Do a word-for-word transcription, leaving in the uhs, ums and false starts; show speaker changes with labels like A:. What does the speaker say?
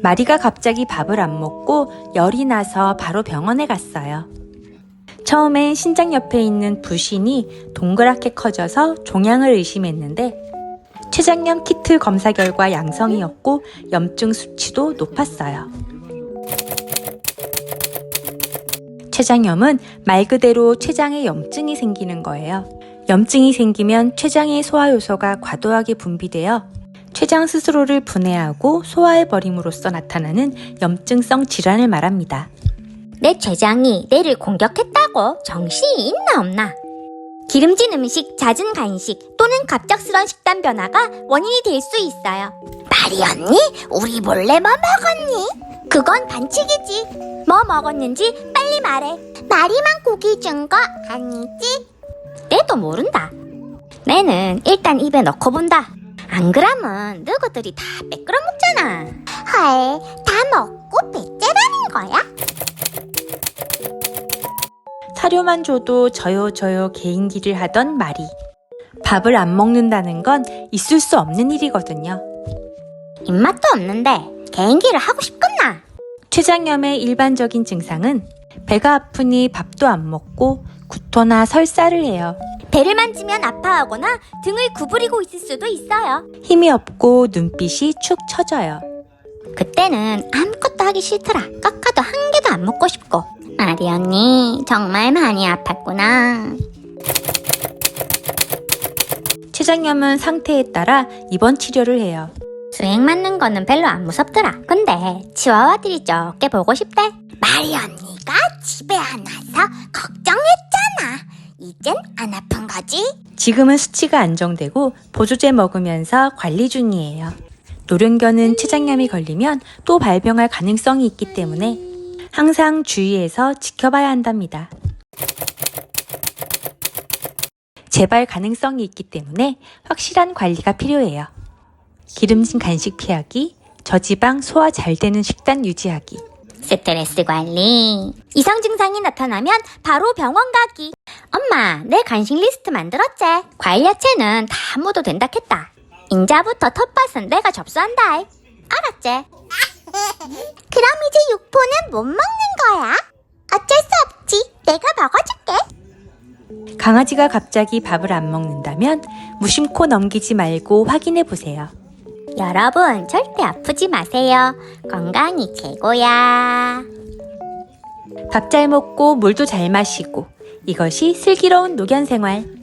A: 마리가 갑자기 밥을 안 먹고 열이 나서 바로 병원에 갔어요. 처음엔 신장 옆에 있는 부신이 동그랗게 커져서 종양을 의심했는데 췌장염 키트 검사 결과 양성이었고 염증 수치도 높았어요. 췌장염은 말 그대로 췌장에 염증이 생기는 거예요. 염증이 생기면 췌장의 소화효소가 과도하게 분비되어 췌장 스스로를 분해하고 소화해버림으로써 나타나는 염증성 질환을 말합니다.
B: 내 췌장이 내를 공격했다고 정신이 있나 없나? 기름진 음식, 잦은 간식 또는 갑작스런 식단 변화가 원인이 될 수 있어요. 마리 언니, 우리 몰래 뭐 먹었니? 그건 반칙이지. 뭐 먹었는지 빨리 말해. 마리만 고기 준 거 아니지? 내도 모른다. 내는 일단 입에 넣고 본다. 안 그러면 너희들이 다 빼끌어 먹잖아. 헐, 다 먹고 배째라는 거야?
A: 사료만 줘도 저요 저요 개인기를 하던 마리. 밥을 안 먹는다는 건 있을 수 없는 일이거든요.
B: 입맛도 없는데 개인기를 하고 싶겠나?
A: 췌장염의 일반적인 증상은 배가 아프니 밥도 안 먹고 구토나 설사를 해요.
B: 배를 만지면 아파하거나 등을 구부리고 있을 수도 있어요.
A: 힘이 없고 눈빛이 축 처져요.
B: 그때는 아무것도 하기 싫더라. 깎아도 한 개도 안 먹고 싶고. 마리 언니 정말 많이 아팠구나.
A: 췌장염은 상태에 따라 입원 치료를 해요.
B: 수액 맞는 거는 별로 안 무섭더라. 근데 치와와들이 적게 보고 싶대. 마리 언니가 집에 안 와서 걱정했잖아. 이젠 안 아픈 거지?
A: 지금은 수치가 안정되고 보조제 먹으면서 관리 중이에요. 노령견은 췌장염이 걸리면 또 발병할 가능성이 있기 때문에 항상 주의해서 지켜봐야 한답니다. 재발 가능성이 있기 때문에 확실한 관리가 필요해요. 기름진 간식 피하기, 저지방 소화 잘 되는 식단 유지하기.
B: 스트레스 관리. 이상 증상이 나타나면 바로 병원 가기. 엄마, 내 간식 리스트 만들었지? 과일 야채는 다 먹어도 된다 했다. 인자부터 텃밭은 내가 접수한다. 알았지? 그럼 이제 육포는 못 먹는 거야? 어쩔 수 없지. 내가 먹어줄게.
A: 강아지가 갑자기 밥을 안 먹는다면 무심코 넘기지 말고 확인해 보세요.
B: 여러분, 절대 아프지 마세요. 건강이 최고야.
A: 밥 잘 먹고 물도 잘 마시고 이것이 슬기로운 노견 생활.